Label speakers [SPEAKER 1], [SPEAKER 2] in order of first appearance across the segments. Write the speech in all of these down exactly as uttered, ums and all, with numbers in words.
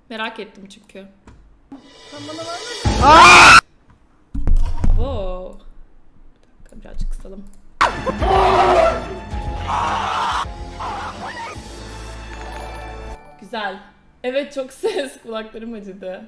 [SPEAKER 1] Merak ettim çünkü.
[SPEAKER 2] Sen bana vermedin.
[SPEAKER 1] Wow. Bir dakika birazcık kısalım. Güzel. Evet çok ses. Kulaklarım acıdı.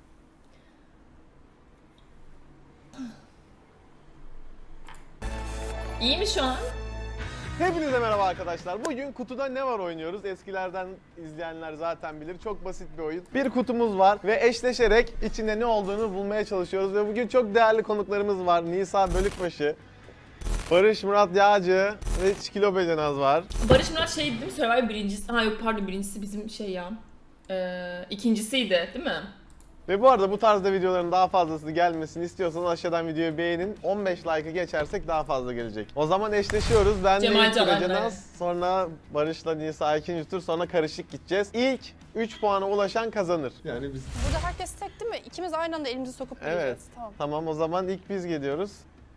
[SPEAKER 1] İyi mi şu an?
[SPEAKER 3] Hepinize merhaba arkadaşlar. Bugün kutuda ne var oynuyoruz. Eskilerden izleyenler zaten bilir. Çok basit bir oyun. Bir kutumuz var ve eşleşerek içinde ne olduğunu bulmaya çalışıyoruz. Ve bugün çok değerli konuklarımız var. Nisa Bölükbaşı, Barış Murat Yağcı ve Çikilo Becenaz var.
[SPEAKER 1] Barış Murat şey değil mi? Survivor birincisi. Ha yok pardon birincisi bizim şey ya. Ee, ikincisiydi değil mi?
[SPEAKER 3] Ve bu arada bu tarzda videoların daha fazlasını gelmesini istiyorsanız aşağıdan videoyu beğenin. on beş like'ı geçersek daha fazla gelecek. O zaman eşleşiyoruz. Ben de
[SPEAKER 1] Cemal
[SPEAKER 3] ilk
[SPEAKER 1] Canan,
[SPEAKER 3] Becenaz, sonra Barış'la Nisa ikinci tur, sonra karışık gideceğiz. İlk üç puana ulaşan kazanır. Yani biz...
[SPEAKER 2] Burada herkes tek değil mi? İkimiz aynı anda elimizi sokup
[SPEAKER 3] Evet.
[SPEAKER 2] gireceğiz. Tamam.
[SPEAKER 3] Tamam o zaman ilk biz geliyoruz.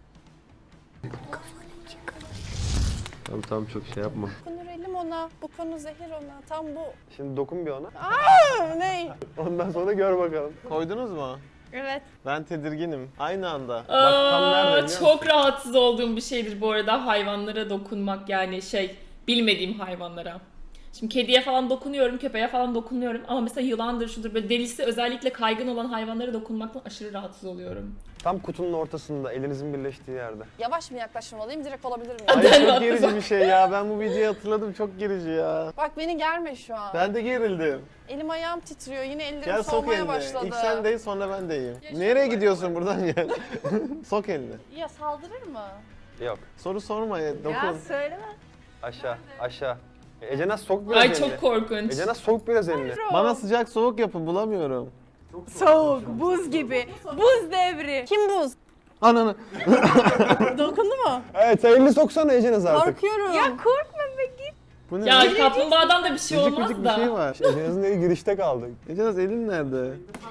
[SPEAKER 4] Tamam tamam çok şey yapma.
[SPEAKER 2] Bu konu relim ona, bu konu zehir ona. Tam bu.
[SPEAKER 3] Şimdi dokun bir ona.
[SPEAKER 2] Aa, ne?
[SPEAKER 3] Ondan sonra gör bakalım. Koydunuz mu?
[SPEAKER 2] Evet.
[SPEAKER 3] Ben tedirginim. Aynı anda. Bak
[SPEAKER 1] Aa,
[SPEAKER 3] tam nerede biliyor musun?
[SPEAKER 1] çok rahatsız olduğum bir şeydir bu arada hayvanlara dokunmak, yani şey bilmediğim hayvanlara. Şimdi kediye falan dokunuyorum, köpeğe falan dokunuyorum ama mesela yılandır şudur böyle delisi özellikle kaygın olan hayvanlara dokunmaktan aşırı rahatsız oluyorum.
[SPEAKER 4] Tam kutunun ortasında elinizin birleştiği yerde.
[SPEAKER 2] Yavaş mı yaklaşmalıyım, direkt olabilir miyim?
[SPEAKER 3] Ay
[SPEAKER 1] Ben
[SPEAKER 3] çok
[SPEAKER 1] de
[SPEAKER 3] gerici bir şey ya. Ben bu videoyu hatırladım. Çok gerici ya.
[SPEAKER 2] Bak beni germe şu an.
[SPEAKER 3] Ben de gerildim.
[SPEAKER 2] Elim ayağım titriyor, yine ellerim
[SPEAKER 3] Gel sok
[SPEAKER 2] soğumaya
[SPEAKER 3] elini.
[SPEAKER 2] başladı.
[SPEAKER 3] İlk sen değil sonra ben deyim. Nereye gidiyorsun buradan gel. Sok elini.
[SPEAKER 2] Ya saldırır mı?
[SPEAKER 4] Yok.
[SPEAKER 3] Soru sorma ya. Dokun.
[SPEAKER 2] söyleme.
[SPEAKER 4] Aşağı aşağı. E, Ece Naz sok biraz
[SPEAKER 1] Ay
[SPEAKER 4] elini.
[SPEAKER 1] çok korkunç.
[SPEAKER 4] Ece Naz sok biraz elini.
[SPEAKER 3] Bana sıcak soğuk yapın bulamıyorum.
[SPEAKER 5] Soğuk, buz gibi. Buz devri.
[SPEAKER 2] Kim buz?
[SPEAKER 3] Ananı.
[SPEAKER 2] Dokundu mu?
[SPEAKER 4] Evet sen elini soksana Ece Naz artık.
[SPEAKER 2] Korkuyorum.
[SPEAKER 5] Ya korkma be git.
[SPEAKER 3] Bu ne?
[SPEAKER 1] Ya kaplumbağadan da bir şey
[SPEAKER 3] Vıcık
[SPEAKER 1] olmaz
[SPEAKER 3] vıcık bir
[SPEAKER 1] da.
[SPEAKER 3] şey var.
[SPEAKER 4] Ece Naz'ın eli girişte kaldı.
[SPEAKER 3] Ece'naz elin nerede?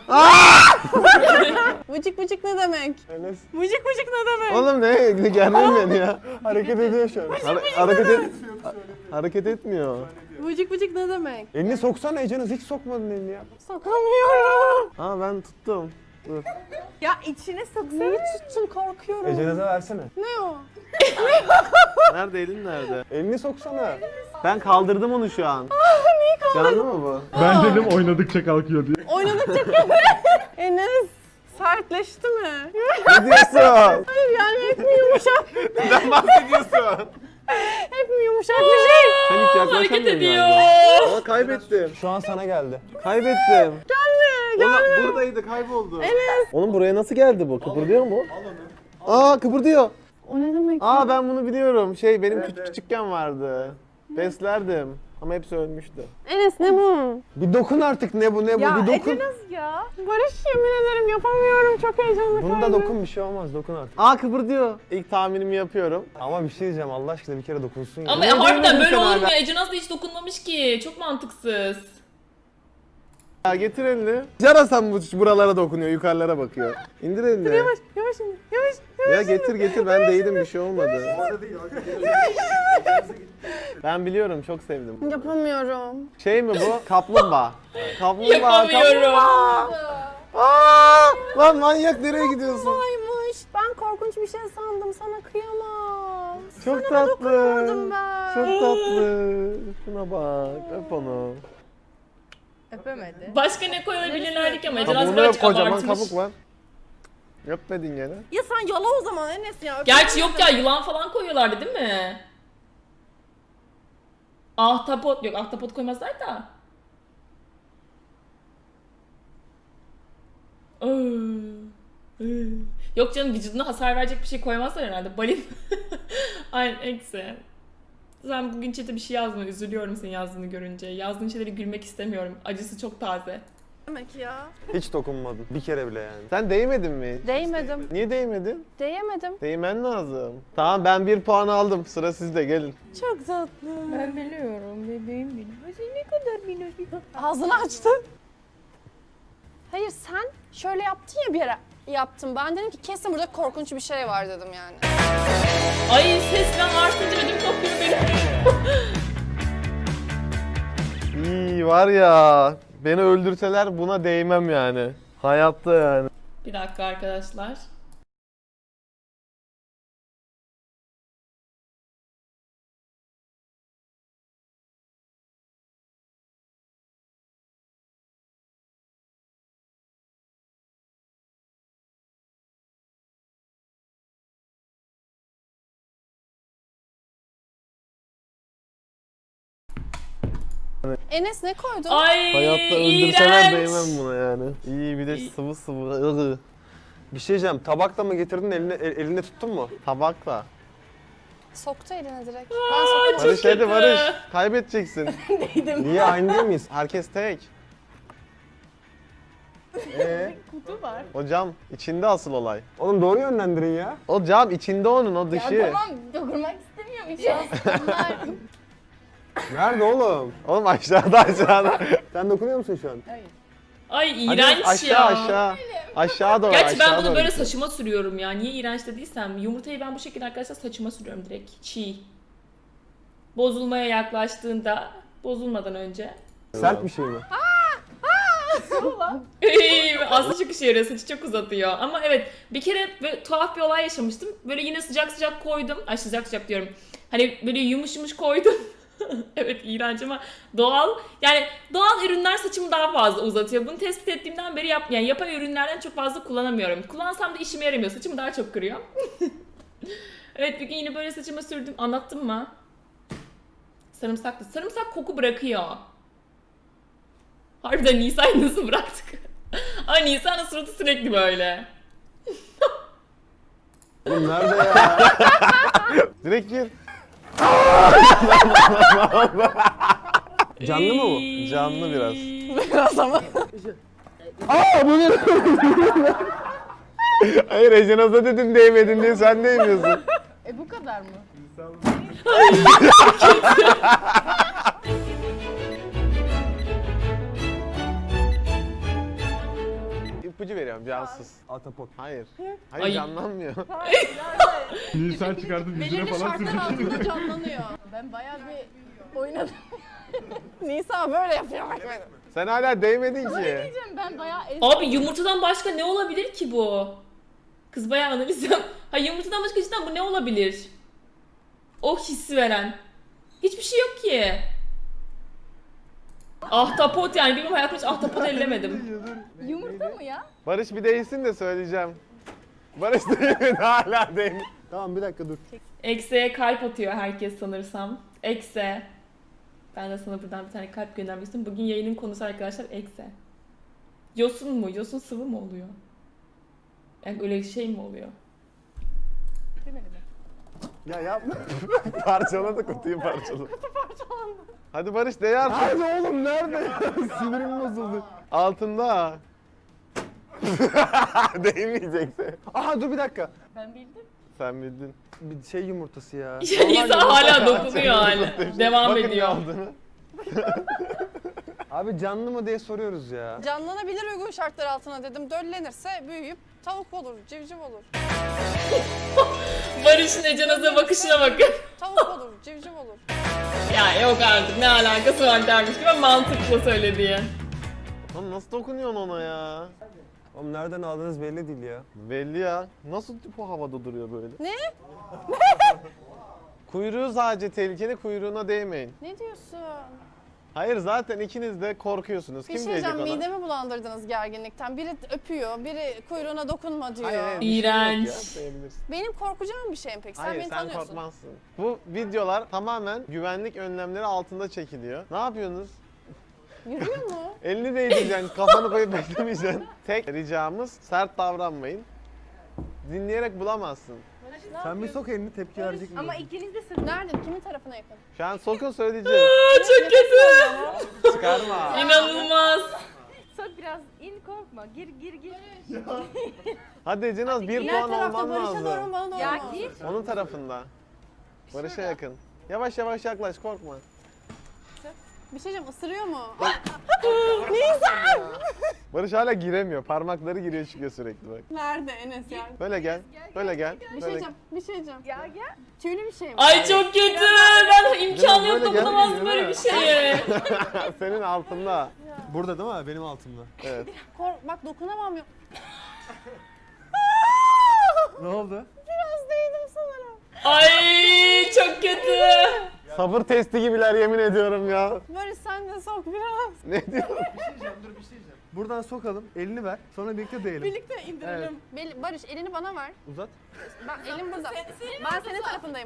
[SPEAKER 2] Vıcık vıcık ne demek?
[SPEAKER 4] Enes
[SPEAKER 5] Mıcık mıcık ne demek?
[SPEAKER 3] Oğlum ne? Ne germeyin beni ya.
[SPEAKER 4] hareket ediyor şu an.
[SPEAKER 3] Har- hareket et. hareket etmiyor.
[SPEAKER 2] Vıcık vıcık ne demek?
[SPEAKER 4] Elini soksana Ece Naz, hiç sokmadın elini ya.
[SPEAKER 2] Sokamıyorum.
[SPEAKER 3] Aa ben tuttum. Dur.
[SPEAKER 5] Ya içine soksana.
[SPEAKER 2] Neyi tuttum, korkuyorum.
[SPEAKER 4] Ece Naz'a versene.
[SPEAKER 2] Ne o?
[SPEAKER 3] Nerede elin nerede?
[SPEAKER 4] Elini soksana.
[SPEAKER 3] Ben kaldırdım onu şu an. Canlı mı bu?
[SPEAKER 6] Ben dedim oynadıkça kalkıyor diye.
[SPEAKER 2] Oynadıkça köpek. Enes sertleşti mi?
[SPEAKER 3] Ne diyorsun?
[SPEAKER 2] Hayır yani hep mi yumuşak?
[SPEAKER 3] Neden bahsediyorsun?
[SPEAKER 2] Hep mi yumuşak bir şey?
[SPEAKER 3] Sen hiç
[SPEAKER 1] Hareket
[SPEAKER 3] yaklaşamıyorsun
[SPEAKER 1] ediyor.
[SPEAKER 3] galiba. Aa kaybettim.
[SPEAKER 4] Şu an sana geldi.
[SPEAKER 3] Kaybettim. Gelme, gelme. Buradaydı, kayboldu. Evet. Oğlum buraya nasıl geldi bu? Kıpırdıyor mu? Aa kıpırdıyor.
[SPEAKER 2] O ne demek?
[SPEAKER 3] Aa ben bunu biliyorum. Şey benim küçük küçükken vardı. Beslerdim. Ama hepsi ölmüştü.
[SPEAKER 2] Enes ne bu?
[SPEAKER 4] Bir dokun artık, ne bu ne bu
[SPEAKER 5] Ya
[SPEAKER 4] bir dokun.
[SPEAKER 5] Ece nasıl ya?
[SPEAKER 2] Barış yemin ederim yapamıyorum, çok heyecanlı.
[SPEAKER 4] Bunu da dokun, bir şey olmaz, dokun artık.
[SPEAKER 3] Aa kıpırdıyor. İlk tahminimi yapıyorum.
[SPEAKER 4] Ama bir şey diyeceğim, Allah aşkına bir kere dokunsun ya.
[SPEAKER 1] Ama
[SPEAKER 3] Niye
[SPEAKER 1] harbiden
[SPEAKER 3] duymadın
[SPEAKER 1] böyle
[SPEAKER 3] sen
[SPEAKER 1] olur mu?
[SPEAKER 3] hala?
[SPEAKER 1] Ece Naz da hiç dokunmamış ki. Çok mantıksız.
[SPEAKER 3] Ya getir elini. Yarasam bu buralara dokunuyor, yukarılara bakıyor. İndir elini.
[SPEAKER 2] Yavaş yavaş yavaş.
[SPEAKER 3] Ya getir getir ben değilim bir şey olmadı. Ben biliyorum çok sevdim.
[SPEAKER 2] Yapamıyorum.
[SPEAKER 3] Şey mi bu? Kaplumbağa. Kaplumbağa.
[SPEAKER 1] Yapamıyorum.
[SPEAKER 3] kaplumbağa. Aa! Lan manyak nereye gidiyorsun?
[SPEAKER 2] Aymış. Ben korkunç bir şey sandım. Sana kıyamam.
[SPEAKER 3] Çok
[SPEAKER 2] Sana
[SPEAKER 3] tatlı.
[SPEAKER 2] dokunamadım ben.
[SPEAKER 3] Çok tatlı. Şuna bak. Öp onu.
[SPEAKER 5] Öpemedi.
[SPEAKER 1] Başka ne koyabilirlerdi ki ama Ece Naz
[SPEAKER 3] Kabuğunu
[SPEAKER 1] birazcık
[SPEAKER 3] öp, kocaman
[SPEAKER 1] abartmış.
[SPEAKER 3] kabuk var. Öpmedin gene.
[SPEAKER 5] Ya sen yala o zaman Enes ya.
[SPEAKER 1] Gerçi yok ya yılan falan koyuyorlardı değil mi? Ahtapot yok ahtapot koymazlar da. Iı, ıı. Yok canım vücuduna hasar verecek bir şey koymazlar herhalde. Balin. Aynen eksi. Sen bugün chat'e bir şey yazdın. Üzülüyorum senin yazdığını görünce. Yazdığın şeyleri gülmek istemiyorum. Acısı çok taze.
[SPEAKER 2] Demek ya.
[SPEAKER 4] Hiç dokunmadın, bir kere bile yani.
[SPEAKER 3] Sen değmedin mi? hiç?
[SPEAKER 2] Değmedim.
[SPEAKER 3] Niye değmedin?
[SPEAKER 2] Değemedim.
[SPEAKER 3] Değmen lazım. Tamam ben bir puan aldım. Sıra sizde gelin.
[SPEAKER 2] Çok tatlı.
[SPEAKER 5] Ben biliyorum bebeğim benim. Ay ne kadar minnoş bir
[SPEAKER 2] Ağzını açtı. Hayır sen şöyle yaptın ya bir ara. Yaptım. Ben dedim ki kesin burada korkunç bir şey var dedim yani.
[SPEAKER 1] Ay seslen artınca ödüm kopuyor benim.
[SPEAKER 3] İyi var ya. Beni öldürseler buna değmem yani. Hayatta yani.
[SPEAKER 1] Bir dakika arkadaşlar.
[SPEAKER 2] Enes ne koydun?
[SPEAKER 1] Ay
[SPEAKER 3] Hayatta öldürseler
[SPEAKER 1] iğrenç.
[SPEAKER 3] değmem buna yani. İyi bir de sıvı sıvı. ıgı.
[SPEAKER 4] Bir şey diyeceğim. Tabakla mı getirdin eline, el- elinde tuttun mu?
[SPEAKER 3] Tabakla.
[SPEAKER 2] Soktu eline direkt.
[SPEAKER 1] Aa,
[SPEAKER 2] Ben sokamadım.
[SPEAKER 1] çok
[SPEAKER 3] Barış hadi
[SPEAKER 1] kötü.
[SPEAKER 3] Barış. Kaybedeceksin.
[SPEAKER 4] Niye aynı değil miyiz?
[SPEAKER 3] Herkes tek. Ee,
[SPEAKER 5] Kutu var.
[SPEAKER 3] o cam içinde asıl olay.
[SPEAKER 4] Oğlum doğru yönlendirin ya.
[SPEAKER 3] O cam içinde onun, o dışı.
[SPEAKER 5] Ya tamam dokunmak istemiyorum hiç aslında.
[SPEAKER 4] Nerede oğlum?
[SPEAKER 3] Oğlum aşağıda aşağıda.
[SPEAKER 4] Sen dokunuyor musun şu an?
[SPEAKER 5] Hayır.
[SPEAKER 1] Ay
[SPEAKER 3] Hadi
[SPEAKER 1] iğrenç
[SPEAKER 3] aşağı
[SPEAKER 1] ya.
[SPEAKER 3] aşağı. Aşağı doğru.
[SPEAKER 1] Gerçi ben
[SPEAKER 3] aşağı
[SPEAKER 1] bunu
[SPEAKER 3] doğru.
[SPEAKER 1] böyle saçıma sürüyorum ya. Niye iğrenç dediysem. Yumurtayı ben bu şekilde arkadaşlar saçıma sürüyorum direkt. Çiğ. Bozulmaya yaklaştığında, bozulmadan önce.
[SPEAKER 4] Sert bir şey mi?
[SPEAKER 1] Aslında çok işe yarıyor. Saçı çok uzatıyor. Ama evet bir kere böyle tuhaf bir olay yaşamıştım. Böyle yine sıcak sıcak koydum. Ay sıcak sıcak diyorum. Hani böyle yumuş yumuş koydum. Evet iğrenç ama doğal. Yani doğal ürünler saçımı daha fazla uzatıyor. Bunu tespit ettiğimden beri yap, yani yapay ürünlerden çok fazla kullanamıyorum. Kullansam da işime yaramıyor. Saçımı daha çok kırıyor. Evet bir gün yine böyle saçıma sürdüm. Anlattım mı? Sarımsaklı. Sarımsak koku bırakıyor. Harbiden Nisa'yı nasıl bıraktık? Ay Nisa'nın suratı sürekli böyle.
[SPEAKER 4] Oğlum nerede ya?
[SPEAKER 3] Direkt gir.
[SPEAKER 4] Canlı mı bu?
[SPEAKER 1] Ay.
[SPEAKER 3] Canlı biraz.
[SPEAKER 2] Biraz ama.
[SPEAKER 3] Aa bu ne? Hayır Ecenaz'a dedin değmedin diye sen değmiyorsun.
[SPEAKER 5] E bu kadar mı?
[SPEAKER 3] İpucu veriyorum cansız.
[SPEAKER 4] Atapot.
[SPEAKER 3] Hayır. Hayır
[SPEAKER 1] Ay.
[SPEAKER 3] canlanmıyor.
[SPEAKER 6] Nisan çıkartıp yüzüne
[SPEAKER 2] Belirli
[SPEAKER 6] falan
[SPEAKER 2] şartlar
[SPEAKER 6] sürecek.
[SPEAKER 2] altında canlanıyor.
[SPEAKER 5] Ben bayağı bir oynadım.
[SPEAKER 2] Nisa böyle yapıyor bak böyle.
[SPEAKER 3] Sen hala değmedin ki.
[SPEAKER 5] Diyeceğim ben bayağı ez-
[SPEAKER 1] Abi yumurtadan başka ne olabilir ki bu? Kız bayağı analiz yap. Ha yumurtadan başka cidden bu ne olabilir? O hissi veren. Hiçbir şey yok ki. Ahtapot yani bilmiyorum hayatımda hiç ahtapot ellemedim.
[SPEAKER 5] Yumurta mı ya?
[SPEAKER 3] Barış bir değilsin de söyleyeceğim. Barış değmedi hala değmedi.
[SPEAKER 4] Tamam bir dakika dur.
[SPEAKER 1] Ekse'ye kalp atıyor herkes sanırsam. Ekse. Ben de sana buradan bir tane kalp göndermek istiyorum. Bugün yayının konusu arkadaşlar Ekse. Yosun mu? Yosun sıvı mı oluyor? Yani öyle şey mi oluyor?
[SPEAKER 5] Demedi mi?
[SPEAKER 4] Ya yapma.
[SPEAKER 3] Parçaladı kutuyu parçaladı. Kutu parçalandı. Hadi Barış değ artık.
[SPEAKER 4] Nerede oğlum nerede? Sinirim bozuldu.
[SPEAKER 3] Altında. Değmeyecekse.
[SPEAKER 4] Aha dur bir dakika.
[SPEAKER 5] Ben bildim.
[SPEAKER 3] Sen bildin.
[SPEAKER 4] Bir şey yumurtası ya.
[SPEAKER 1] İnsan hala dokunuyor hala. Devam
[SPEAKER 3] Bakın ne
[SPEAKER 1] ediyor.
[SPEAKER 3] olduğunu.
[SPEAKER 4] Abi canlı mı diye soruyoruz ya.
[SPEAKER 2] Canlanabilir uygun şartlar altına dedim. Döllenirse büyüyüp tavuk olur, civciv olur.
[SPEAKER 1] Barış'ın Ecenaz'a bakışına bakın.
[SPEAKER 2] Tavuk olur, civciv olur.
[SPEAKER 1] Ya yok artık ne alakası var dermiş gibi mantıklı söylediği.
[SPEAKER 3] Lan nasıl dokunuyorsun ona ya?
[SPEAKER 4] Oğlum nereden aldığınız belli değil ya.
[SPEAKER 3] Belli ya. Nasıl bu havada duruyor böyle?
[SPEAKER 2] Ne?
[SPEAKER 3] Kuyruğu sadece tehlikeli, kuyruğuna değmeyin.
[SPEAKER 2] Ne diyorsun?
[SPEAKER 3] Hayır zaten ikiniz de korkuyorsunuz.
[SPEAKER 2] Bir
[SPEAKER 3] Kim
[SPEAKER 2] şey
[SPEAKER 3] diyecek
[SPEAKER 2] diyeceğim,
[SPEAKER 3] ona?
[SPEAKER 2] midemi bulandırdınız gerginlikten. Biri öpüyor, biri kuyruğuna dokunma diyor.
[SPEAKER 3] Hayır, hayır, bir şey yok
[SPEAKER 1] İğrenç.
[SPEAKER 3] ya, değebilirsin.
[SPEAKER 2] Benim korkacağım bir şeyim peki. Sen
[SPEAKER 3] Hayır
[SPEAKER 2] beni
[SPEAKER 3] sen
[SPEAKER 2] tanıyorsun.
[SPEAKER 3] korkmazsın. Bu videolar tamamen güvenlik önlemleri altında çekiliyor. Ne yapıyorsunuz?
[SPEAKER 2] Yürüyor mu?
[SPEAKER 3] Elini değdireceksin, kafanı koyup beklemeyeceksin. Tek ricamız sert davranmayın. Dinleyerek bulamazsın.
[SPEAKER 4] Sen bir sok elini tepki verecek mi?
[SPEAKER 5] Ama ikiniz de sırf.
[SPEAKER 2] Nerede? Kimin tarafına yakın?
[SPEAKER 3] Şu an sokun söyleyeceğim.
[SPEAKER 1] Çok kötü.
[SPEAKER 3] Çıkarma.
[SPEAKER 1] İnanılmaz.
[SPEAKER 5] Sok biraz in korkma. Gir gir gir.
[SPEAKER 3] Hadi Cenaz bir
[SPEAKER 2] Diğer
[SPEAKER 3] puan
[SPEAKER 2] tarafta
[SPEAKER 3] alman
[SPEAKER 2] Barış'a doğru mu,
[SPEAKER 3] lazım.
[SPEAKER 2] bana doğru
[SPEAKER 5] Ya
[SPEAKER 2] mu?
[SPEAKER 5] gir.
[SPEAKER 3] Onun tarafında. Barış'a yakın. Yavaş yavaş yaklaş, korkma.
[SPEAKER 2] Bir şey diyeceğim, ısırıyor mu?
[SPEAKER 3] Barış hala giremiyor. Parmakları giriyor çıkıyor sürekli bak.
[SPEAKER 2] Nerede Enes ya?
[SPEAKER 3] Böyle gel. Böyle gel.
[SPEAKER 2] Bir şey
[SPEAKER 3] Böyle
[SPEAKER 2] diyeceğim, bir şey diyeceğim.
[SPEAKER 5] Ya gel.
[SPEAKER 2] Tüylü bir şey mi?
[SPEAKER 1] Ay çok kötü. Ben imkanı yok
[SPEAKER 3] Böyle gel-
[SPEAKER 1] dokunamazdım böyle bir şeye.
[SPEAKER 3] Senin altında.
[SPEAKER 4] Burada değil mi? Benim altımda.
[SPEAKER 3] Evet.
[SPEAKER 2] Kork, bak dokunamam yok.
[SPEAKER 4] Ne oldu?
[SPEAKER 2] Biraz değdim sanırım.
[SPEAKER 1] Ay çok kötü.
[SPEAKER 3] Sabır testi gibiler yemin ediyorum ya.
[SPEAKER 2] Barış sen de sok biraz.
[SPEAKER 3] Ne diyorsun?
[SPEAKER 4] Buradan sokalım. Elini ver. Sonra birlikte değelim.
[SPEAKER 2] Birlikte indirelim. Bel- Barış elini bana ver.
[SPEAKER 4] Uzat.
[SPEAKER 2] Ben elim burada. Ben senin tarafındayım.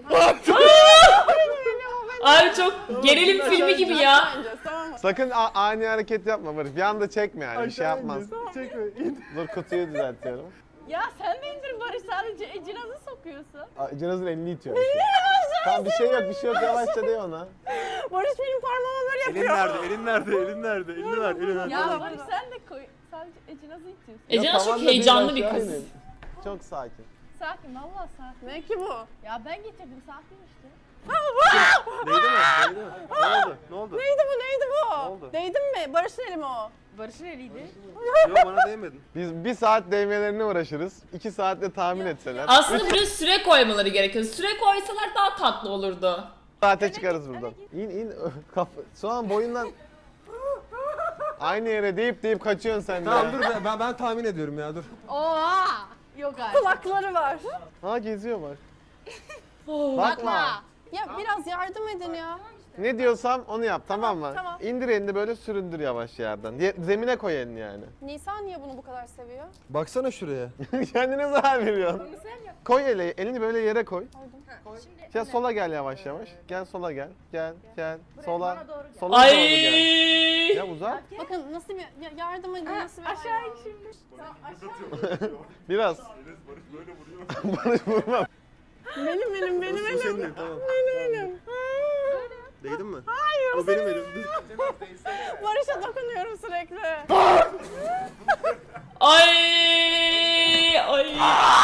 [SPEAKER 1] Abi çok gerilim filmi gibi ya.
[SPEAKER 2] Tamam mı?
[SPEAKER 3] Sakın a- ani hareket yapma Barış. Bir anda çekme yani. Bir şey
[SPEAKER 4] Aşağı
[SPEAKER 3] yapmaz.
[SPEAKER 4] ineceğiz. Çekme. İn.
[SPEAKER 3] Dur kutuyu düzeltiyorum.
[SPEAKER 5] Ya sen de indir Barış, sadece Ecinaz'ı sokuyorsun.
[SPEAKER 3] Aa, Cenaz'ın elini itiyor. bir şey. Tamam bir şey yok bir şey yok yavaşça de ona.
[SPEAKER 2] Barış benim parmağıma böyle
[SPEAKER 4] Elin
[SPEAKER 2] yapıyor.
[SPEAKER 4] nerede? Elin nerede? Elin nerede? Elini ver. Elini ver.
[SPEAKER 5] Ya Barış sen de koy, sadece Ecinaz'ı itiyorsun.
[SPEAKER 1] Ece
[SPEAKER 3] Ya
[SPEAKER 1] çok
[SPEAKER 3] tamam da değil,
[SPEAKER 1] heyecanlı bir
[SPEAKER 3] aşağı
[SPEAKER 1] kız.
[SPEAKER 3] inin. Çok sakin.
[SPEAKER 5] Sakin, vallahi sakin.
[SPEAKER 2] Ne ki bu?
[SPEAKER 5] Ya ben getirdim, sakin işte.
[SPEAKER 4] Değdi mi? Değdi mi? Ne oldu? Ne oldu?
[SPEAKER 2] Neydi bu neydi bu?
[SPEAKER 4] Ne oldu?
[SPEAKER 2] Değdin mi? Barış'ın eli mi o?
[SPEAKER 5] Barış'ın eliydi.
[SPEAKER 4] Yok bana değmedin.
[SPEAKER 3] Biz bir saat değmelerine uğraşırız. iki saatte tahmin etseler.
[SPEAKER 1] Aslında biraz süre koymaları gerekiyor. Süre koysalar daha tatlı olurdu.
[SPEAKER 3] saate çıkarız buradan. İn in. Kaf Şu an boyundan aynı yere deyip deyip kaçıyorsun sen de.
[SPEAKER 4] Tamam dur ben, ben, ben tahmin ediyorum ya dur.
[SPEAKER 5] Oha! Yok artık.
[SPEAKER 2] Kulakları var.
[SPEAKER 3] Ha geziyor bak.
[SPEAKER 1] Oh.
[SPEAKER 3] Bakma.
[SPEAKER 2] Ya biraz yardım edin ya.
[SPEAKER 3] Ne diyorsam onu yap tamam mı?
[SPEAKER 2] tamam.
[SPEAKER 3] İndir elini böyle süründür yavaş yerden. Ye- Zemine koy elini yani.
[SPEAKER 2] Nisan niye bunu bu kadar seviyor?
[SPEAKER 4] Baksana şuraya.
[SPEAKER 3] Kendine zarar veriyorsun. Koy eli, elini böyle yere koy. Ya sola gel yavaş yavaş. Gel sola gel. Gel gel. Sola. Sola doğru gel.
[SPEAKER 1] Ay.
[SPEAKER 3] Ya uzak.
[SPEAKER 2] Bakın nasıl bir ya- yardım edin nasıl bir
[SPEAKER 5] Aşağı in şimdi.
[SPEAKER 3] Biraz. Barış vurma.
[SPEAKER 2] Benim elim benim
[SPEAKER 4] Bu
[SPEAKER 2] elim.
[SPEAKER 4] senin elin, tamam.
[SPEAKER 2] Benim elim.
[SPEAKER 4] Değdin mi? Hayır. O benim elim.
[SPEAKER 2] Barış'a dokunuyorum sürekli.
[SPEAKER 1] Ay. Ay.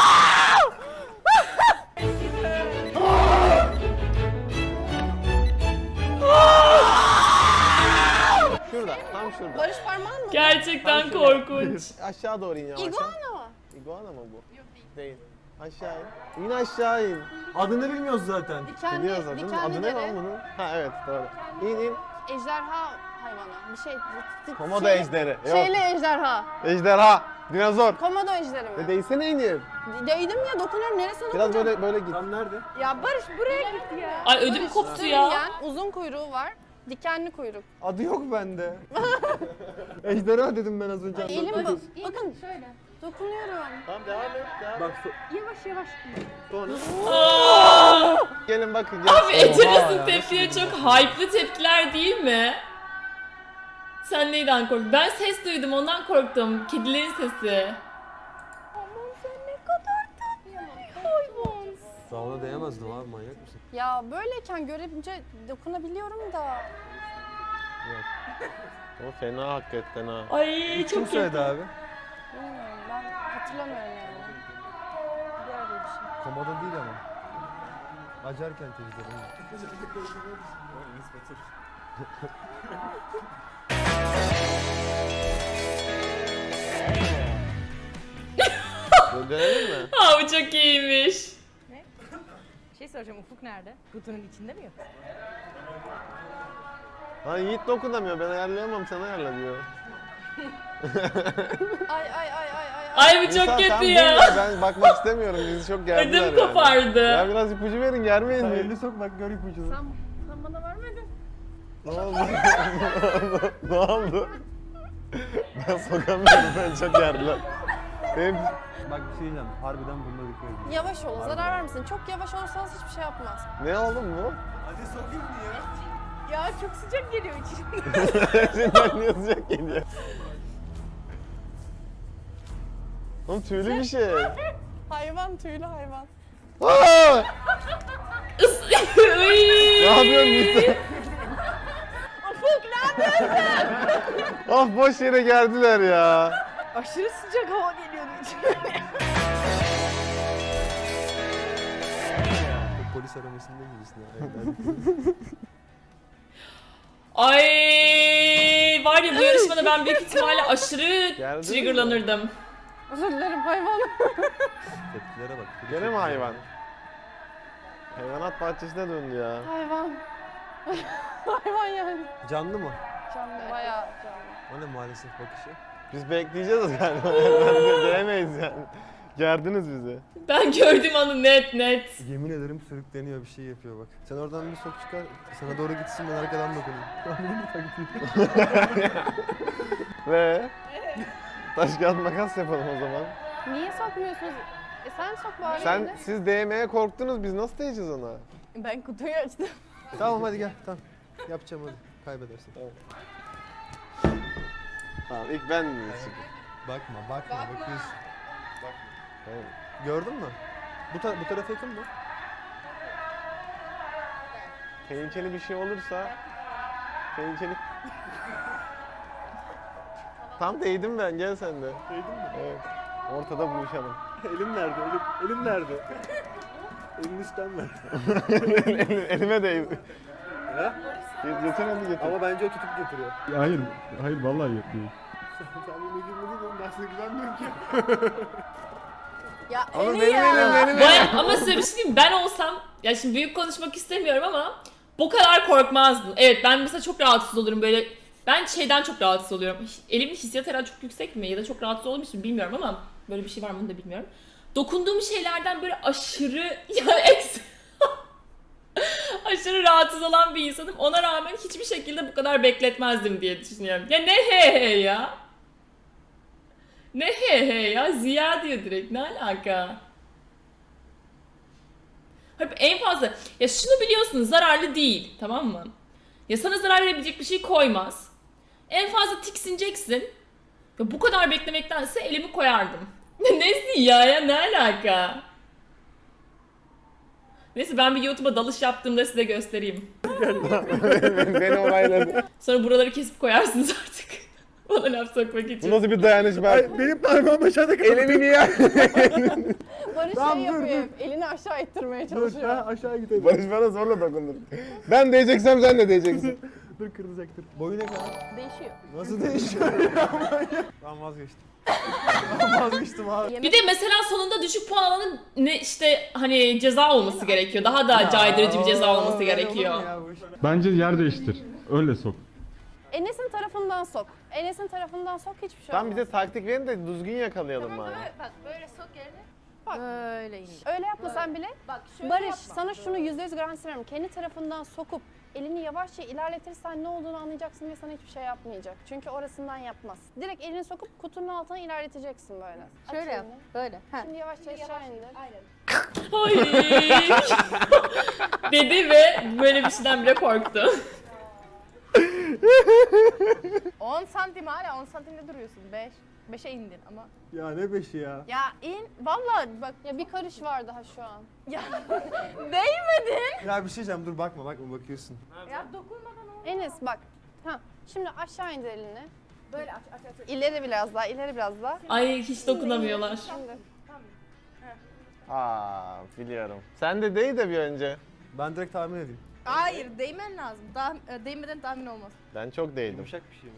[SPEAKER 3] Şurada, tam şurada.
[SPEAKER 2] Barış parmağın mı?
[SPEAKER 1] Gerçekten korkunç.
[SPEAKER 3] Aşağı doğru in yavaş.
[SPEAKER 2] İguana mı?
[SPEAKER 3] İguana mı bu? Yok değil. Değil. Aşağı in. İn aşağı in.
[SPEAKER 4] Adını bilmiyoruz zaten.
[SPEAKER 2] Dikenli,
[SPEAKER 3] Biliyoruz adını.
[SPEAKER 2] dikenli
[SPEAKER 3] Adı ne
[SPEAKER 2] dere.
[SPEAKER 3] lan bunun? Ha evet doğru. İn in.
[SPEAKER 2] Ejderha hayvanı. Bir şey.
[SPEAKER 3] Komodo
[SPEAKER 2] şey-
[SPEAKER 3] ejderi. Yok.
[SPEAKER 2] Şeyli ejderha.
[SPEAKER 3] Ejderha. Dinozor.
[SPEAKER 2] Komodo ejderi
[SPEAKER 3] E
[SPEAKER 2] mi?
[SPEAKER 3] değsene inir.
[SPEAKER 2] Değdim ya dokunuyorum. Neresine
[SPEAKER 3] Biraz
[SPEAKER 2] dokunacağım?
[SPEAKER 3] böyle böyle git.
[SPEAKER 4] Tam nerede?
[SPEAKER 5] Ya Barış buraya git ya.
[SPEAKER 1] Ay ödüm koptu ya.
[SPEAKER 2] Sürüngen, uzun kuyruğu var. Dikenli kuyruk.
[SPEAKER 4] Adı yok bende. Ejderha dedim ben az önce.
[SPEAKER 2] Elim bu. Bakın
[SPEAKER 5] Şöyle.
[SPEAKER 2] dokunuyorum.
[SPEAKER 3] Tamam devam et. Devam.
[SPEAKER 4] Bak so-
[SPEAKER 5] Yavaş yavaş.
[SPEAKER 3] Sonra.
[SPEAKER 1] Aa.
[SPEAKER 3] Gelin bakın. Gel.
[SPEAKER 1] Abi Ecenaz'ın
[SPEAKER 4] ya,
[SPEAKER 1] tepkileri çok hype'lı tepkiler değil mi? Sen neyden korktun? Ben ses duydum ondan korktum. Kedilerin sesi.
[SPEAKER 5] Aman sen ne kadar tatlı bir hayvansın.
[SPEAKER 4] Daha ona değemezdim abi manyak mısın?
[SPEAKER 2] Ya böyleyken görünce dokunabiliyorum da.
[SPEAKER 3] O fena hakikaten ha.
[SPEAKER 1] Ay
[SPEAKER 4] Kim
[SPEAKER 1] çok
[SPEAKER 4] söyledi
[SPEAKER 1] kötü.
[SPEAKER 4] abi?
[SPEAKER 2] Bilmiyorum ben hatırlamıyorum yani. Diğer bir şey.
[SPEAKER 4] Komodo değil ama. Acarken teyzeleri.
[SPEAKER 3] Böyle dönelim mi?
[SPEAKER 1] Aa bu çok iyiymiş.
[SPEAKER 5] Şey soracağım, Ufuk nerede? Kutunun içinde mi yok?
[SPEAKER 3] Ha Yiğit dokunamıyor. Ben ayarlayamam. Sen ayarla diyor.
[SPEAKER 2] Ay ay ay ay ay.
[SPEAKER 1] Ay bu
[SPEAKER 3] İnsan,
[SPEAKER 1] çok
[SPEAKER 3] sen
[SPEAKER 1] kötü
[SPEAKER 3] bil
[SPEAKER 1] ya.
[SPEAKER 3] Ben bakmak istemiyorum. Bizi çok gerdiler
[SPEAKER 1] Ödüm
[SPEAKER 3] yani.
[SPEAKER 1] kopardı.
[SPEAKER 3] Ya biraz ipucu verin. Germeyin
[SPEAKER 4] Sen
[SPEAKER 3] mi?
[SPEAKER 4] elini sok bak gör ipucunu.
[SPEAKER 2] Sen, sen bana vermedin.
[SPEAKER 3] Ne oldu? ne oldu? Ben sokamıyorum. Ben çok gerdiler. Benim
[SPEAKER 4] Bak bir şey diyeceğim. Harbiden bununla dikkat edin.
[SPEAKER 2] Yavaş olun zarar vermesin. Çok yavaş olursanız hiçbir şey yapmaz.
[SPEAKER 3] ne oldu bu?
[SPEAKER 4] Hadi sokayım diye.
[SPEAKER 5] Ya çok sıcak geliyor içine.
[SPEAKER 3] Şimdiden niye sıcak geliyor? Oğlum tüylü bir şey.
[SPEAKER 2] Hayvan tüylü hayvan.
[SPEAKER 3] Aa!
[SPEAKER 1] Is- Uy.
[SPEAKER 3] Ne yapıyorsun Nisa?
[SPEAKER 5] Ufuk ne yapıyorsun?
[SPEAKER 3] Of boş yere geldiler ya.
[SPEAKER 5] Aşırı sıcak hava geliyordu içine.
[SPEAKER 4] Polis aramasında gibisin ya.
[SPEAKER 1] Ay Ay var ya bu yarışmada ben büyük ihtimalle aşırı
[SPEAKER 3] Geldin mi?
[SPEAKER 1] triggerlanırdım.
[SPEAKER 2] Özür dilerim hayvan.
[SPEAKER 4] Tepkilere bak.
[SPEAKER 3] Gene mi hayvan? Hayvanat bahçesine döndü ya.
[SPEAKER 2] Hayvan. hayvan yani.
[SPEAKER 4] Canlı mı?
[SPEAKER 2] Canlı bayağı canlı.
[SPEAKER 4] O ne maalesef bakışı?
[SPEAKER 3] Biz bekleyeceğiz galiba. Değemeyiz yani. Gerdiniz bizi.
[SPEAKER 1] Ben gördüğüm anı net net.
[SPEAKER 4] Yemin ederim sürükleniyor, bir şey yapıyor bak. Sen oradan bir sok çıkar, sana doğru gitsin, ben arkadan dokunayım.
[SPEAKER 3] Ve taş kağıt makas yapalım o zaman.
[SPEAKER 2] Niye sokmuyorsunuz? E sen sok bari.
[SPEAKER 3] Sen
[SPEAKER 2] elini.
[SPEAKER 3] siz değmeye korktunuz, biz nasıl değeceğiz ona?
[SPEAKER 2] Ben kutuyu açtım.
[SPEAKER 4] Tamam hadi gel, tamam. Yapacağım hadi, kaybedersin.
[SPEAKER 3] Tamam ilk ben mi çıkayım?
[SPEAKER 4] Bakma, bakma, bakıyorsun.
[SPEAKER 3] Tamam.
[SPEAKER 4] Gördün mü? Bu, ta bu tarafa yakın mı?
[SPEAKER 3] Tehlikeli bir şey olursa tehlikeli. Tam değdim ben, gel sen de.
[SPEAKER 6] Değdin mi?
[SPEAKER 3] Evet. Ortada buluşalım.
[SPEAKER 6] Elim nerede? Elim, elim nerede? Elini üstten ver.
[SPEAKER 3] Elim- Elime değdi.
[SPEAKER 6] Ha?
[SPEAKER 3] Getir hadi getir.
[SPEAKER 6] Ama bence o tutup getiriyor.
[SPEAKER 7] Hayır, hayır vallahi yapıyor.
[SPEAKER 6] Sen benimle girmedin, ben sana güvenmiyorum ki.
[SPEAKER 2] Ya
[SPEAKER 3] Ama
[SPEAKER 2] eli
[SPEAKER 3] benim
[SPEAKER 2] ya.
[SPEAKER 3] elim, benim elim.
[SPEAKER 1] Baya, ama size bir şey diyeyim mi? Ben olsam, ya şimdi büyük konuşmak istemiyorum ama bu kadar korkmazdım. Evet ben mesela çok rahatsız olurum böyle. Ben şeyden çok rahatsız oluyorum. Elimin hissiyat herhalde çok yüksek mi ya da çok rahatsız olmuşum bilmiyorum ama böyle bir şey var mı onu da bilmiyorum. Dokunduğum şeylerden böyle aşırı ya eks aşırı rahatsız olan bir insanım. Ona rağmen hiçbir şekilde bu kadar bekletmezdim diye düşünüyorum. Ya ne he he ya? Ne he he ya? Ziya diyor direkt. Ne alaka? Hep en fazla ya şunu biliyorsunuz zararlı değil, tamam mı? Ya sana zarar verebilecek bir şey koymaz. En fazla tiksineceksin. Ya bu kadar beklemektense elimi koyardım. Nesi ya ya ne alaka? Neyse ben bir YouTube'a dalış yaptığımda size göstereyim.
[SPEAKER 3] Beni olayladı.
[SPEAKER 1] Sonra buraları kesip koyarsınız artık. Bana laf sokmak
[SPEAKER 3] Bu
[SPEAKER 1] için.
[SPEAKER 3] nasıl bir dayanışma?
[SPEAKER 6] Ay, benim parmağım aşağıda kaldı.
[SPEAKER 3] Elimi niye?
[SPEAKER 2] Barış
[SPEAKER 6] Tamam,
[SPEAKER 2] şey
[SPEAKER 6] dur,
[SPEAKER 2] yapıyor. Elini aşağı ittirmeye
[SPEAKER 6] Dur,
[SPEAKER 2] çalışıyor.
[SPEAKER 6] ha, aşağı gidelim.
[SPEAKER 3] Barış bana zorla dokundur. Ben değeceksem sen de değeceksin.
[SPEAKER 6] Dur, kırılacaktır.
[SPEAKER 4] Boyu ne kadar?
[SPEAKER 2] Değişiyor.
[SPEAKER 4] Nasıl değişiyor? Ben vazgeçtim. Ben vazgeçtim abi.
[SPEAKER 1] Bir de mesela sonunda düşük puan alanın ne işte hani ceza olması gerekiyor. Daha da caydırıcı bir ceza olması
[SPEAKER 4] Böyle olur
[SPEAKER 1] gerekiyor.
[SPEAKER 4] mu ya bu iş?
[SPEAKER 7] Bence yer değiştir. Öyle sok.
[SPEAKER 2] Enes'in tarafından sok. Enes'in tarafından sok hiçbir şey
[SPEAKER 3] Tam
[SPEAKER 2] olmaz.
[SPEAKER 3] bize taktik verin de düzgün yakalayalım bari.
[SPEAKER 5] Bak böyle sok yerine.
[SPEAKER 2] Bak.
[SPEAKER 5] Böyle indir.
[SPEAKER 2] Öyle yapmasan bile
[SPEAKER 5] Bak şöyle
[SPEAKER 2] Barış
[SPEAKER 5] yapma.
[SPEAKER 2] sana şunu yüzde yüz garanti veriyorum. Kendi tarafından sokup elini yavaşça ilerletirsen ne olduğunu anlayacaksın ve sana hiçbir şey yapmayacak. Çünkü orasından yapmaz. Direkt elini sokup kutunun altına ilerleteceksin böyle. Aç
[SPEAKER 5] Şöyle yap.
[SPEAKER 2] elini.
[SPEAKER 5] Böyle. Ha.
[SPEAKER 2] Şimdi yavaşça aşağı indir.
[SPEAKER 5] Aynen.
[SPEAKER 1] Ay. Dedi ve böyle bir şeyden bile korktu.
[SPEAKER 5] on santim hala on santimde duruyorsun. beş. beşe indin ama.
[SPEAKER 6] Ya ne beşi ya?
[SPEAKER 5] Ya in. Vallahi bak.
[SPEAKER 2] Ya bir karış var daha şu an.
[SPEAKER 5] Ya değmedin.
[SPEAKER 4] Ya bir şey diyeceğim, dur bakma bakma bakıyorsun.
[SPEAKER 5] Ya dokunmadan olmaz.
[SPEAKER 2] Enes bak. Ha, şimdi aşağı indir elini.
[SPEAKER 5] Böyle aç aç aç.
[SPEAKER 2] İleri biraz daha, ileri biraz daha.
[SPEAKER 1] Ay hiç dokunamıyorlar.
[SPEAKER 2] Şimdi.
[SPEAKER 3] Aa biliyorum. Sen de değ de bir önce.
[SPEAKER 4] Ben direkt tahmin edeyim.
[SPEAKER 5] Hayır değmen lazım. Daha, e, değmeden tahmin olmaz.
[SPEAKER 3] Ben çok değdim.
[SPEAKER 6] Yumuşak bir şey mi?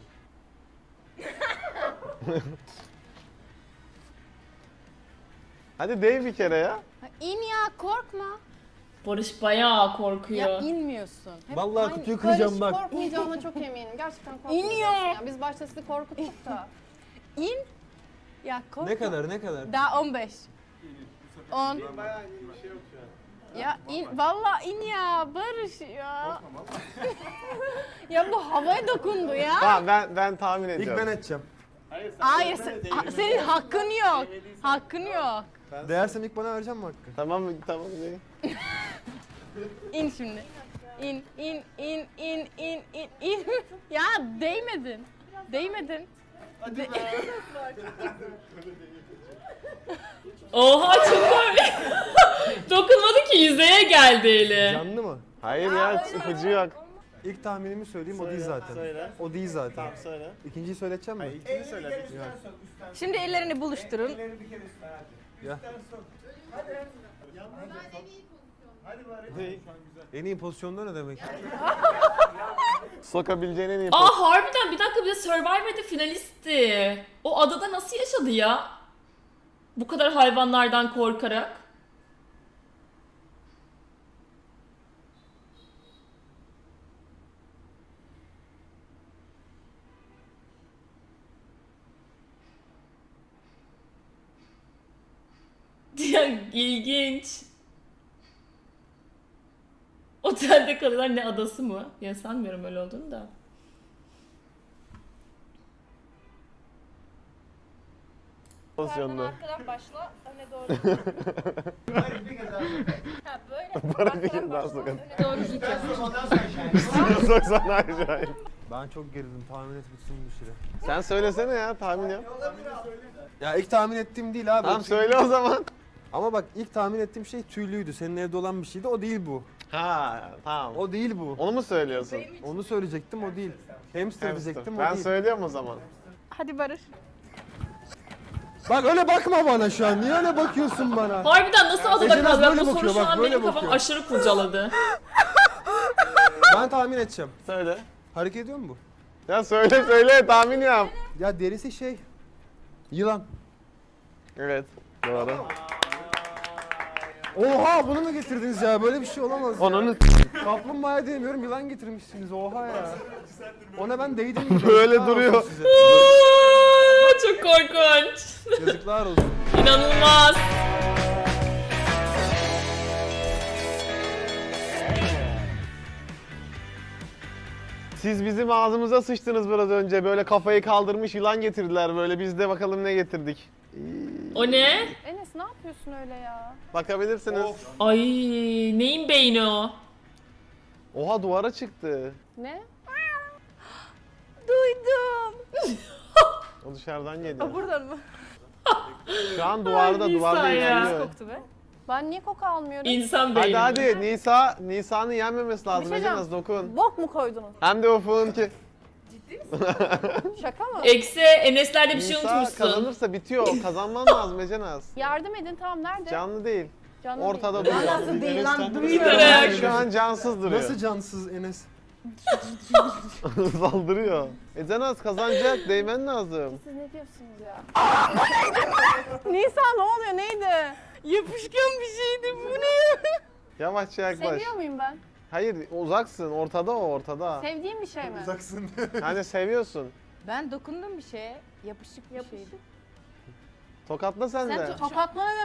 [SPEAKER 3] Hadi değ bir kere ya.
[SPEAKER 2] Ha, İn ya korkma.
[SPEAKER 1] Barış bayağı
[SPEAKER 2] Ya
[SPEAKER 1] korkuyor.
[SPEAKER 2] inmiyorsun. Hep
[SPEAKER 4] Vallahi
[SPEAKER 2] aynı-
[SPEAKER 4] kutuyu kıracağım
[SPEAKER 2] Barış
[SPEAKER 4] bak.
[SPEAKER 2] korkmayacağına çok eminim. Gerçekten korkmayacaksın.
[SPEAKER 5] İniyor.
[SPEAKER 2] Ya. Biz başta sizi korkuttuk da.
[SPEAKER 5] İn. Ya korkma.
[SPEAKER 4] Ne kadar ne kadar?
[SPEAKER 5] Daha on beş. on. Ya in, vallahi in ya Barış ya. ya bu havaya dokundu ya.
[SPEAKER 3] Tamam ben ben tahmin
[SPEAKER 4] İlk
[SPEAKER 3] ediyorum.
[SPEAKER 4] ben edeceğim.
[SPEAKER 5] Hayır sen- ha- senin hakkın yok. Hakkın yok.
[SPEAKER 4] Değersem ilk bana vereceğim mi hakkı?
[SPEAKER 3] Tamam mı? Tamam değ.
[SPEAKER 5] İn şimdi. İn in in in in in in. ya değmedin. Değmedin. De-
[SPEAKER 1] Oha çok komik. Dokunmadı ki yüzeye geldi eli.
[SPEAKER 4] Canlı mı?
[SPEAKER 3] Hayır ya ipucu yok.
[SPEAKER 4] İlk tahminimi söyleyeyim, o değil zaten.
[SPEAKER 6] söyle.
[SPEAKER 4] O değil zaten.
[SPEAKER 6] Söyle.
[SPEAKER 4] İkinciyi söyleteceğim mi?
[SPEAKER 6] İlkini söyle.
[SPEAKER 5] Şimdi ellerini buluşturun.
[SPEAKER 4] Ya. En iyi pozisyonda ne demek?
[SPEAKER 3] Sokabileceğin en iyi
[SPEAKER 1] Aa harbiden bir dakika, bir de Survivor'da finalistti. O adada nasıl yaşadı ya? Bu kadar hayvanlardan korkarak. Ya ilginç. Otelde kalıyorlar, ne adası mı? Ya sanmıyorum öyle olduğunu da.
[SPEAKER 3] pozisyonda.
[SPEAKER 2] Arkadan başla, öne doğru. Ha böyle.
[SPEAKER 3] Para bir kere daha sokalım.
[SPEAKER 2] Doğru gidiyor.
[SPEAKER 3] Soksana aşağıya.
[SPEAKER 4] Ben çok gerildim. Tahmin et bitsin bu süre.
[SPEAKER 3] Sen söylesene ya, tahmin yap.
[SPEAKER 4] Ya ilk tahmin ettiğim değil abi.
[SPEAKER 3] Tamam
[SPEAKER 4] O tüy-
[SPEAKER 3] söyle o zaman.
[SPEAKER 4] Ama bak ilk tahmin ettiğim şey tüylüydü. Senin evde olan bir şeydi. O değil bu.
[SPEAKER 3] Ha tamam.
[SPEAKER 4] O değil bu.
[SPEAKER 3] Onu mu söylüyorsun?
[SPEAKER 4] Onu söyleyecektim, o değil. Hamster
[SPEAKER 3] Hamster.
[SPEAKER 4] diyecektim, o
[SPEAKER 3] Ben
[SPEAKER 4] değil.
[SPEAKER 3] söylüyorum o zaman.
[SPEAKER 5] Hadi Barış.
[SPEAKER 4] Bak öyle bakma bana şu an. Niye öyle bakıyorsun bana?
[SPEAKER 1] Harbiden nasıl adada
[SPEAKER 4] Ece Naz
[SPEAKER 1] kalıyor?
[SPEAKER 4] böyle
[SPEAKER 1] Bu soru
[SPEAKER 4] bakıyor,
[SPEAKER 1] şu
[SPEAKER 4] bak,
[SPEAKER 1] an
[SPEAKER 4] böyle
[SPEAKER 1] benim kafam
[SPEAKER 4] bakıyor.
[SPEAKER 1] aşırı kurcaladı.
[SPEAKER 4] Ben tahmin edeceğim.
[SPEAKER 3] Söyle.
[SPEAKER 4] Hareket ediyor mu bu?
[SPEAKER 3] Ya söyle söyle, tahmin yap.
[SPEAKER 4] Ya derisi şey. Yılan.
[SPEAKER 3] Evet. Doğru.
[SPEAKER 4] Oha bunu mu getirdiniz ya? Böyle bir şey olamaz ya.
[SPEAKER 3] Onun
[SPEAKER 4] Kaplumbağa diyemiyorum, yılan getirmişsiniz. Oha ya. Ona ben değdim.
[SPEAKER 3] Böyle
[SPEAKER 4] Yazıklar
[SPEAKER 3] duruyor.
[SPEAKER 4] olsun size.
[SPEAKER 1] Aa, çok korkunç.
[SPEAKER 4] Yazıklar olsun.
[SPEAKER 1] İnanılmaz.
[SPEAKER 3] Siz bizim ağzımıza sıçtınız biraz önce. Böyle kafayı kaldırmış yılan getirdiler böyle. Biz de bakalım ne getirdik.
[SPEAKER 1] O ne?
[SPEAKER 2] Enes ne yapıyorsun öyle ya?
[SPEAKER 3] Bakabilirsiniz.
[SPEAKER 1] Ay neyin beyni o?
[SPEAKER 3] Oha duvara çıktı.
[SPEAKER 2] Ne?
[SPEAKER 5] Duydum.
[SPEAKER 3] O dışarıdan geliyor.
[SPEAKER 5] Buradan mı?
[SPEAKER 3] Şu an duvarda,
[SPEAKER 1] Ay,
[SPEAKER 3] duvarda
[SPEAKER 1] Nisa ya.
[SPEAKER 3] ilerliyor.
[SPEAKER 5] Koktu be.
[SPEAKER 2] Ben niye koku almıyorum?
[SPEAKER 1] İnsan beyni.
[SPEAKER 3] Hadi hadi Nisa, Nisa'nın yenmemesi lazım.
[SPEAKER 2] Bir şey
[SPEAKER 3] Ece
[SPEAKER 2] diyeceğim.
[SPEAKER 3] Naz dokun.
[SPEAKER 2] Bok mu koydunuz?
[SPEAKER 3] Hem de ufuğun ki.
[SPEAKER 2] Şaka mı?
[SPEAKER 1] Eksi Enes'lerde bir şey
[SPEAKER 3] Nisa
[SPEAKER 1] unutmuşsun.
[SPEAKER 3] kazanırsa bitiyor. Kazanman lazım Ece Naz.
[SPEAKER 2] Yardım edin, tamam nerede?
[SPEAKER 3] Canlı değil.
[SPEAKER 2] Canlı
[SPEAKER 3] Ortada
[SPEAKER 2] değil.
[SPEAKER 3] duruyor.
[SPEAKER 5] Nasıl değil lan
[SPEAKER 1] duyuyorum.
[SPEAKER 3] Şu an cansız duruyor.
[SPEAKER 4] Nasıl cansız Enes?
[SPEAKER 3] Saldırıyor. Ece Naz kazanacak. Değmen lazım.
[SPEAKER 2] Siz ne diyorsunuz ya? Nisa ne oluyor, neydi?
[SPEAKER 5] Yapışkan bir şeydi bu ne?
[SPEAKER 3] Yavaşça yaklaş.
[SPEAKER 2] Seviyor muyum ben?
[SPEAKER 3] Hayır uzaksın. Ortada o ortada.
[SPEAKER 2] Sevdiğim bir şey mi?
[SPEAKER 4] Uzaksın.
[SPEAKER 3] Hani seviyorsun.
[SPEAKER 5] Ben dokundum bir şeye. Yapışık bir şeydi.
[SPEAKER 3] Tokatla sen de.
[SPEAKER 2] Sen to- tokatla ne